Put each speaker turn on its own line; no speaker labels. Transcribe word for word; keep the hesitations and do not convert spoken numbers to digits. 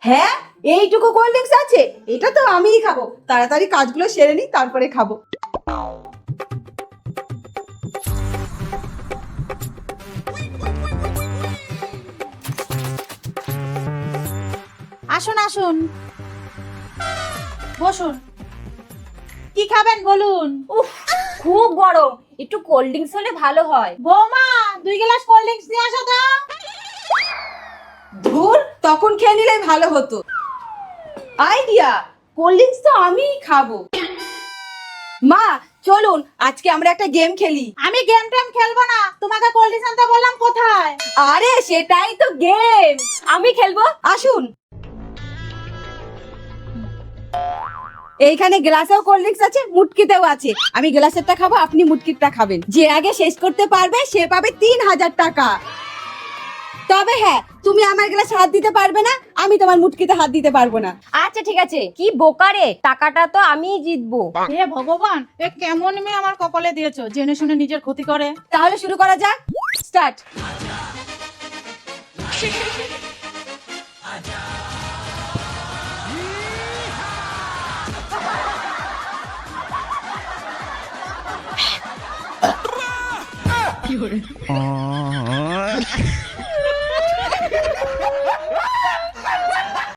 হ্যাঁ, এইটুকু cold drinks আছে, এটা তো আমিই খাবো। তাড়াতাড়ি কাজগুলো সেরে নিই, তারপরে খাবো।
আসুন আসুন, বসুন। কি খাবেন বলুন?
উফ, খুব গরম, একটু কোল্ড ড্রিঙ্কস হলে ভালো হয়।
বৌমা, দুই গ্লাস কোল্ড ড্রিঙ্কস নিয়ে আসো তো।
ধুর, তখন খেয়ে নিলে ভালো হতো। আইডিয়া, কোল্ড ড্রিঙ্কস তো আমিই খাবো। মা, চলুন আজকে আমরা একটা গেম খেলি।
আমি গেম টেম খেলবো না, তোমাকে কোল্ড ড্রিঙ্কস আনতে বললাম, কোথায়?
আরে সেটাই তো গেম,
আমি খেলবো।
আসুন। এইখানে গ্লাসেও কোল্ড ড্রিঙ্কস আছে, মুটকিতেও আছে। আমি গ্লাসেরটা খাবো, আপনি মুটকিরটা খাবেন। যে আগে শেষ করতে পারবে সে পাবে তিন হাজার টাকা। তবে হ্যাঁ, তুমি আমার গ্লাসে হাত দিতে পারবে না, আমি তোমার মুটকিতে হাত দিতে পারবো না।
আচ্ছা ঠিক আছে, কি বোকারে, টাকাটা তো আমিই জিতবো।
হে ভগবান, এ কেমন মেয়ে আমার কপালে দিয়েছো, জেনে শুনে নিজের ক্ষতি করে।
তাহলে শুরু করা যাক, স্টার্ট।